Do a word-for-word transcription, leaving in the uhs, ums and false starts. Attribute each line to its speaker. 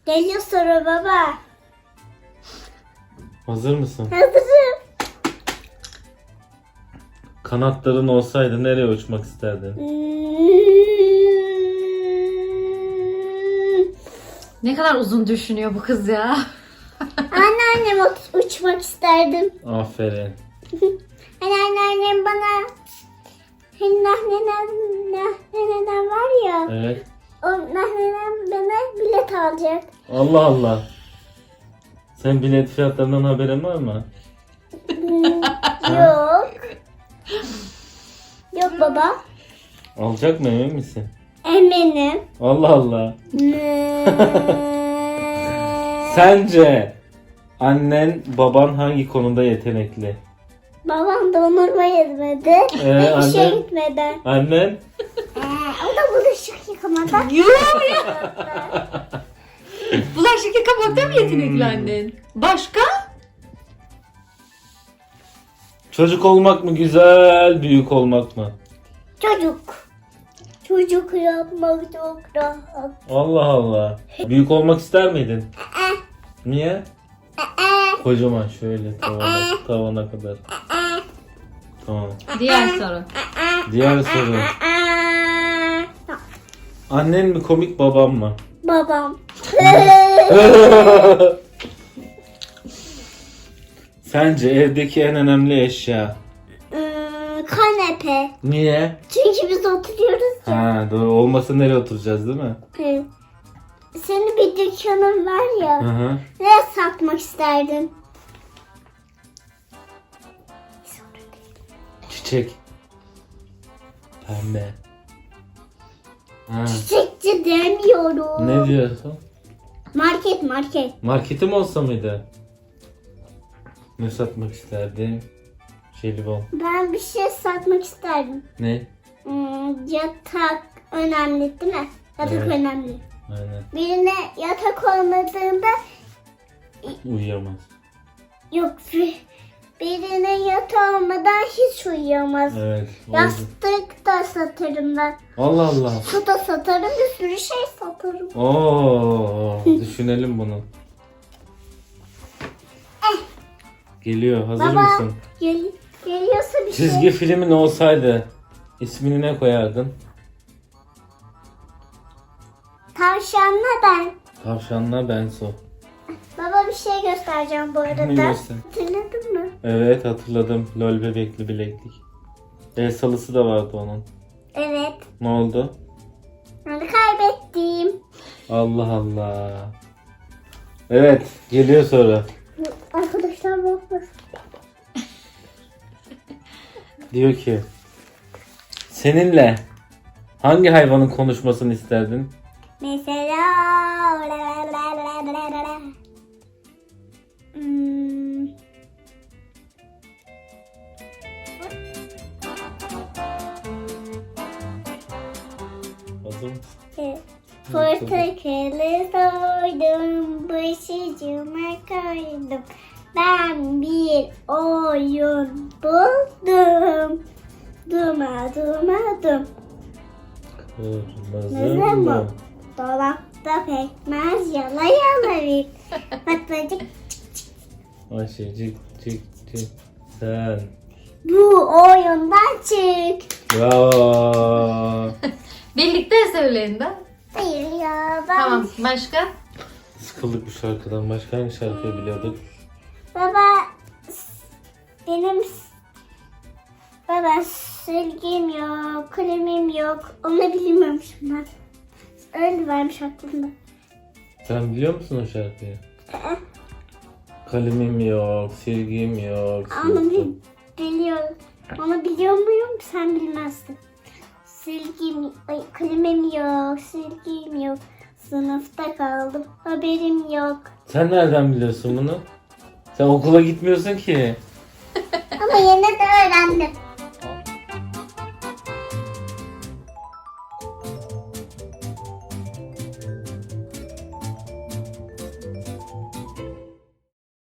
Speaker 1: Geliyor soru baba.
Speaker 2: Hazır mısın?
Speaker 1: Hazırım.
Speaker 2: Kanatların olsaydı nereye uçmak isterdin?
Speaker 1: Hmm.
Speaker 3: Ne kadar uzun düşünüyor bu kız ya.
Speaker 1: Anneannem uç- uçmak isterdim.
Speaker 2: Aferin.
Speaker 1: Hani anneannem bana hani nahnenem, nahnenem var ya.
Speaker 2: Evet.
Speaker 1: O nahnenem bana bilet alacak.
Speaker 2: Allah Allah. Sen bilet fiyatlarından haberin var mı?
Speaker 1: Yok. Yok baba.
Speaker 2: Alacak mı, emin misin?
Speaker 1: Eminim.
Speaker 2: Allah Allah.
Speaker 1: Hmm.
Speaker 2: Sence annen baban hangi konuda yetenekli?
Speaker 1: Babam dondurma yemedi.
Speaker 2: Ee,
Speaker 1: ve işe
Speaker 2: anne?
Speaker 1: gitmedi.
Speaker 2: Annen?
Speaker 1: Ee, o da bulaşık yıkamada.
Speaker 3: Yok ya. Bulaşık yıkamakta mı yetenekli annen? Başka?
Speaker 2: Çocuk olmak mı güzel, büyük olmak mı?
Speaker 1: Çocuk. Çocuk yapmak çok rahat.
Speaker 2: Allah Allah. Büyük olmak ister miydin? Niye? Kocaman şöyle tavana, tavana kadar. Tamam.
Speaker 3: Diğer soru.
Speaker 2: Diğer soru. Annen mi komik, babam mı?
Speaker 1: Babam.
Speaker 2: Sence evdeki en önemli eşya?
Speaker 1: Hmm, kanepe.
Speaker 2: Niye?
Speaker 1: Çünkü biz oturuyoruz.
Speaker 2: Ha doğru, olmasa nereye oturacağız değil mi?
Speaker 1: Evet. Senin bir dükkanın var ya.
Speaker 2: Hı hı.
Speaker 1: Nereye satmak isterdin?
Speaker 2: Çiçek. Pembe. Ha.
Speaker 1: Çiçekçi demiyorum.
Speaker 2: Ne diyorsun?
Speaker 1: Market market.
Speaker 2: Marketim olsa mıydı? Ne satmak isterdim? Jelibon.
Speaker 1: Ben bir şey satmak isterdim.
Speaker 2: Ne?
Speaker 1: Hmm, yatak önemli değil mi? Yatak
Speaker 2: Evet.
Speaker 1: önemli.
Speaker 2: Aynen.
Speaker 1: Birine yatak olmadığında
Speaker 2: Uyuyamaz.
Speaker 1: yok bir- birine yatak olmadan hiç uyuyamaz.
Speaker 2: Evet. oldu.
Speaker 1: Yastık da satarım ben.
Speaker 2: Allah Allah.
Speaker 1: Su da satarım, bir sürü şey satarım.
Speaker 2: Oo, düşünelim bunu. Geliyor. Hazır
Speaker 1: Baba
Speaker 2: mısın?
Speaker 1: gel, geliyorsa bir
Speaker 2: Çizgi
Speaker 1: şey.
Speaker 2: filmin olsaydı ismini ne koyardın?
Speaker 1: Tavşanla ben.
Speaker 2: Tavşanla Benso.
Speaker 1: Baba bir şey göstereceğim bu arada.
Speaker 2: Ne göster?
Speaker 1: Hatırladın mı?
Speaker 2: Evet, hatırladım. Lol bebekli bileklik. El salısı da vardı onun.
Speaker 1: Evet.
Speaker 2: Ne oldu?
Speaker 1: Ben de kaybettim.
Speaker 2: Allah Allah. Evet, geliyor soru.
Speaker 1: Arkadaşlar bakmasın.
Speaker 2: Diyor ki, seninle hangi hayvanın konuşmasını isterdin?
Speaker 1: Mesela hmm.
Speaker 2: Hazır mısın?
Speaker 1: Evet. Portakalı soydum, başucuma koydum. Ben bir oyun buldum. Duma duma dum.
Speaker 2: Kırmızı
Speaker 1: Kırmızı mı?
Speaker 2: mı?
Speaker 1: Dolapta pekmez yala yala bir. Patlıcık.
Speaker 2: Ayşecik cik cik sen.
Speaker 1: Bu oyundan çık.
Speaker 2: Bravo.
Speaker 3: Birlikte söyleyin de.
Speaker 1: Hayır ya ben.
Speaker 3: Tamam. Başka?
Speaker 2: Sıkıldık bu şarkıdan. Başka hangi şarkıyı biliyorduk?
Speaker 1: Baba benim baba silgim yok, kalemim yok. Onu bilmiyormuşum ben. Öyle varmış aklımda.
Speaker 2: Sen biliyor musun o şarkıyı? Kalemim yok, silgim yok.
Speaker 1: Onu
Speaker 2: sınıfta-
Speaker 1: bil- biliyorum. Onu biliyor muyum? Sen bilmezsin. Silgim, ay, kalemim yok, silgim yok. Sınıfta kaldım, haberim yok.
Speaker 2: Sen nereden biliyorsun bunu? Sen okula gitmiyorsun ki.
Speaker 1: Ama yine de öğrendim.